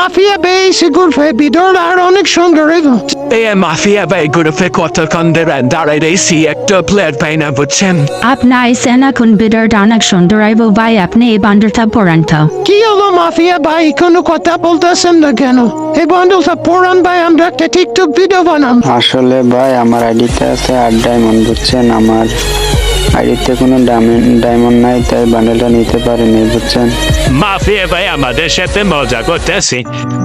Mafia বেশি ঘুরবে ভিতর আর অনেক সুন্দর এবং মাফিয়া ভাই গ্রুপে কতক্ষণ ধরে দাঁড়াইছি একটা প্লেয়ার পাই না বুঝছেন। আপনার সেনা কোন বিডার অনেক সুন্দর আইব ভাই আপনি এই বান্ডারটা পড়ান তো। কি হলো মাফিয়া ভাই কোনো কথা বলতেছেন না কেন? এই বান্ডেলটা পড়ান ভাই, আমরা একটা টিকটক ভিডিও বানাম। আসলে ভাই আমার আইডিতে আছে 8 ডায়মন্ড বুঝছেন, আমার আইডিতে কোনো ডায়মন্ড নাই, তাই বান্ডেলটা নিতে পারিনি বুঝছেন। মাফিয়া ভাই আমাদের সাথে মজা করতেছি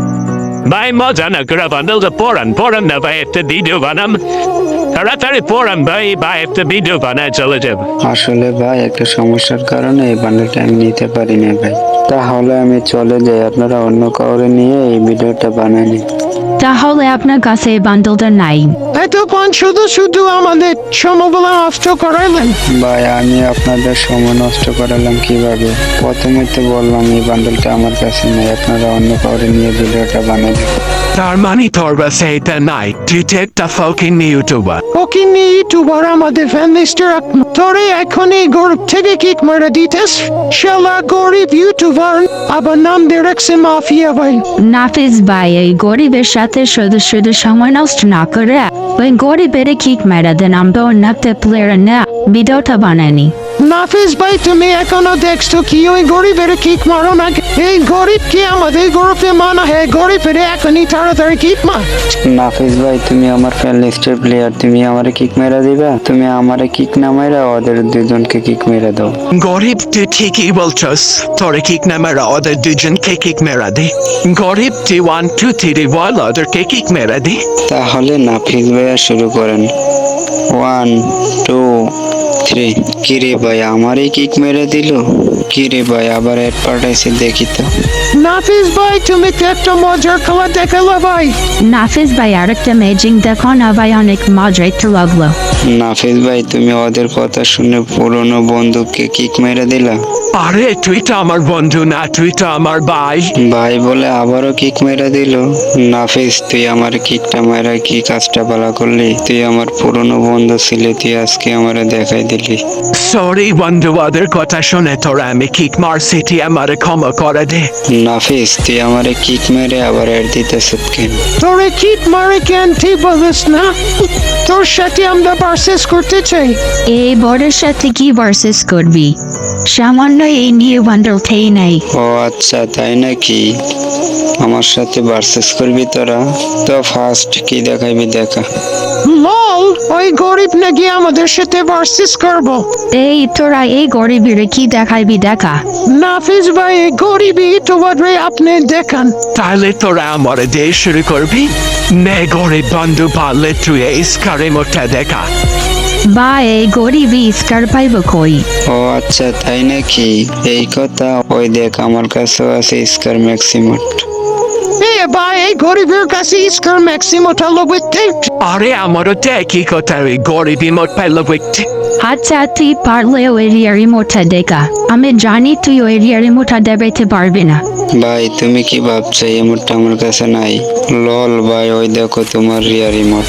ভাই, মজা না করে বান্ডেলটা পড়ান না ভাই, একটা ভিডিও বানাম তাড়াতাড়ি পড়ান ভাই, একটা ভিডিও বানায় চলে যাব। আসলে ভাই একটা সমস্যার কারণে এই বান্ডেলটা আমি নিতে পারি না ভাই, তাহলে আমি চলে যাই, আপনারা অন্য কাউরে নিয়ে এই ভিডিওটা বানান। তাহলে আপনার কাছে এই বান্ডেলটা নাই? এতক্ষণ শুধু শুধু আমাদের সময়গুলো নষ্ট করাইলেন। ভাই আমি আপনাদের সময় নষ্ট করালাম কিভাবে? প্রথমে তো বললাম এই বান্ডেলটা আমার কাছে নেই, আপনারা অন্য কাউরে নিয়ে ভিডিওটা বানাবেন। তার মানে তোর কাছে এটা নাই, তুই তো একটা ফকিং ইউটিউবার। ওকে নিয়ে ইউটিউবার আমাদের ফ্যান লিস্টে রাখুন। তোরে এখন এই গরিব থেকে কিক মারা দিতেস, শালা গরিব ইউটিউবার আবার নাম দিয়ে রাখছে মাফিয়া ভাই। নাফিস ভাই এই গরিবের সাথে শুধু শুধু সময় নষ্ট না করে ওই গরিবের কিক মেরা দেন, আমরা অন্য একটা প্লেয়ার না ভিডিওটা বানাইনি। নাফিস ভাই তুমি এখনো দেখছো কি ওই গরিবের কিক মারো না? এই গরিব কি আমাদের গরিবে মানা হে? গরিবের এখনই তাড়াতাড়ি কিক মার। নাফিস ভাই তুমি আমার ফ্যান লিস্টের প্লেয়ার, তুমি আমারে কিক মেরা দিবা? তুমি আমারে কিক না মেরা ওদের দুজনকে কিক মেরা দাও। গরিব তুই ঠিকই বলছস, তোরে কিক না মেরা ওদের দুজনকে কিক মেরা দে। গরিব তুই 1 2 3 বল ওদেরকে কিক মেরা দে। তাহলে নাফিস ভাইয়া শুরু করেন। 1 2 3। কিরে ভাই আমারই কিক মেরে দিল? কিরে ভাই আবার এড পাঠাইছে দেখি তো। নাফিস ভাই তুমি তো একটা মজার খেলা দেখালো ভাই। নাফিস ভাই আরেকটা ম্যাজিং দেখো না ভাই, অনেক মজা একটু লাগলো। নাফিস ভাই তুমি ওদের কথা শুনে পুরনো বন্ধুকে কিক মেরে দিলা? আরে তুই তো আমার বন্ধু না, তুই তো আমার ভাই। ভাই বলে আবারও কিক মেরে দিল। নাফিস তুই আমার কিকটা মেরা কি কাজটা ভালো করলি? তুই আমার পুরনো বন্ধু ছিলি, তুই আজকে আমারে দেখাই দিলি। সরি বন্ধু, ওদের কথা শুনে তোরা আমি কিক মারছি, তুই আমারে ক্ষমা করে দে। নাফিস তুই আমারে কিক মেরে আবার এর দিতেছ কেন? তোরে কিক মারে কেন ঠিক বলিস না? তোর সাথে আমরা পারচেস করতে চাই। এই বড়ের সাথে কি ভার্সেস করবি? সামান্য এই নিউ বান্ডেলটাই নাই। ও আচ্ছা তাই নাকি? আমার সাথে ভার্সেস করবি তোরা? তো ফার্স্ট কি দেখাইবি দেখা। লল ওই গরিব নাকি আমাদের সাথে ভার্সেস করবো? এই তোরা এই গরিবের কি দেখাইবি দেখা। নাফিস ভাই এই গরিবই তোমার আপনি দেখান। তাহলে তোরা আমার দিয়ে শুরু করবি? নে গরিব বন্ধু পারলে তুই এই স্কারের মধ্যে দেখা। বা এই গরিবই স্কার পাইব কই? ও আচ্ছা তাই নাকি? এই কথা। ওই দেখ আমার কাছেও আছে স্কার ম্যাক্সিমাম। এ ভাই এই গরিবের কাছে স্কার ম্যাক্সিমোটা লবইতে। আরে আমারও তো একই কথা, ওই গরিবই মোট পাইল বুঝতে। আচ্ছা তুই পারলে ওই রিমোটটা দেখা, আমি জানি তুই ওই রিমোটটা দেখাইতে পারবি না। ভাই তুমি কি ভাবছো এই মুহূর্তে আমার কাছে নাই? লল ভাই ওই দেখো তোমার রিয়া রিমোট।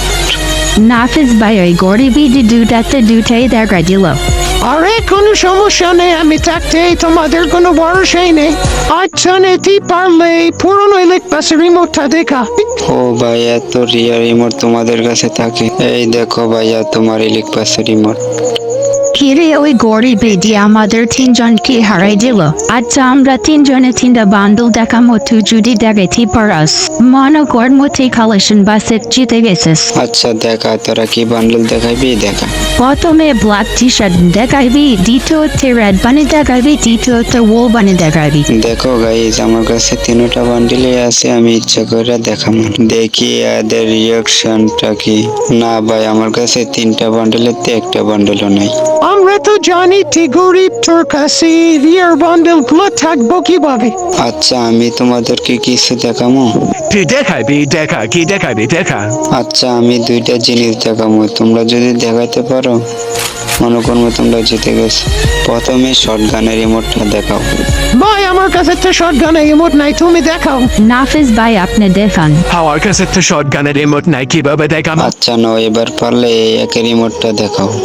নাফিস ভাই ওই গরিবই দুটাই দেখা দিল। আরে কোনো সমস্যা নেই, আমি থাকতে তোমাদের কোনো ভরসাই নেই। আচ্ছা নেতি পারলে পুরনো ইলেকট্রিক রিমোটটা দেখা। ও ভাই এত রিয়া রিমোট তোমাদের কাছে থাকে? এই দেখো ভাইয়া তোমার ইলেকট্রিক রিমোট। কিরে ওই গরিবই দিয়ে আমাদের তিনজনকে হারাই দিল। আচ্ছা আমরা তিনজনে তিনটা বান্ডেল দেখামো, তুই যদি দেখাইতে পারাস মনে কর মতে কালেকশন বাসে জিতে গেছিস। আচ্ছা দেখা, তোরা কি বান্ডেল দেখাইবি দেখা। প্রথমে ব্ল্যাক টি শার্ট দেখাইবি, দ্বিতীয়তে রেড বানি দেখাইবি, তৃতীয়তে ওল বানি দেখাইবি। দেখো গাইজ আমার কাছে তিনটা বান্ডেলই আছে, আমি ইচ্ছা করে দেখাবো, দেখি এদের রিয়াকশনটা কি। না ভাই আমার কাছে তিনটা বান্ডেলের তো একটা বান্ডেলও নাই। আমরা তো জানি তুই গরিব, তোর কাছে রিয়ার বান্ডেল গুলো থাকবো কিভাবে? আচ্ছা আমি তোমাদেরকে কিছু দেখাবো। তুই দেখাবি দেখা, কি দেখাবি দেখা। আচ্ছা আমি দুইটা জিনিস দেখাবো, তোমরা যদি দেখাইতে পারো মনে করবো তোমরা জিতে গেছো। প্রথমে শটগানের রিমোটটা দেখাও। ভাই আমার কাছে তো শটগানের রিমোট নাই, তুমি দেখাও। নাফিস ভাই আপনি দেখান। আমার কাছে তো শটগানের রিমোট নাই, কিভাবে দেখাম? আচ্ছা নাও এবার পারলে এই একের রিমোটটা দেখাও।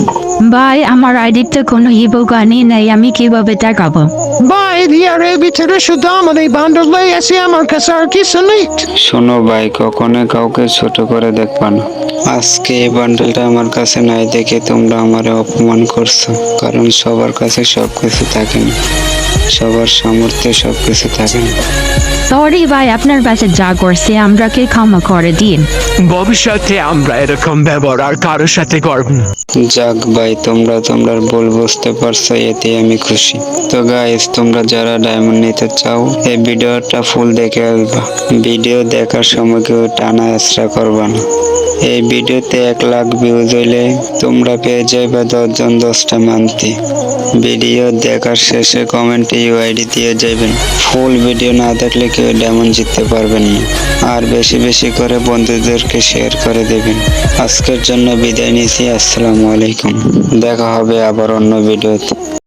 ভাই আমার আইডিতে কোনো ইবো গানই নেই, আমি কিভাবে দেখাবো? ভাই রিয়ারের ভিতরে শুধু আমাদের বান্ডলাই আছে, আমার কাছে আর কিছু নেই। শোনো ভাই, কখনো কাউকে ছোট করে দেখবা না। আজকে এই বান্ডেলটা আমার কাছে নাই দেখে তোমরা আমারে অপমান করছো, কারণ সবার কাছে সবকিছু থাকে না, সবার সামর্থ্যে সবকিছু থাকে না। সরি ভাই, আপনার কাছে যা করছে আমরাকে ক্ষমা করে দিন। ভবিষ্যতে আমরা এরকম ব্যবহার আর কারোর সাথে করব না। যাক ভাই, তোমরা তোমরা ভুল বুঝতে পারছো, এতে আমি খুশি। তো গাইস, তোমরা যারা ডায়মন্ড নিতে চাও এই ভিডিওটা ফুল দেখে আসবা। ভিডিও দেখার সময় কেউ টানা এসরা করবা না। এই ভিডিওতে 1 লাখ ভিউজ হইলে তোমরা পেয়ে যাবে 10 জন 10টা মান্তি। ভিডিও দেখার শেষে কমেন্টে ইউআইডি দিয়ে যাবেন। ফুল ভিডিও না দেখলে কেউ ডায়মন্ড জিততে পারবেন না। আর বেশি বেশি করে বন্ধুদেরকে শেয়ার করে দেবেন। আজকের জন্য বিদায় নিচ্ছি। আসসালামু আলাইকুম। দেখা হবে আবার অন্য ভিডিওতে।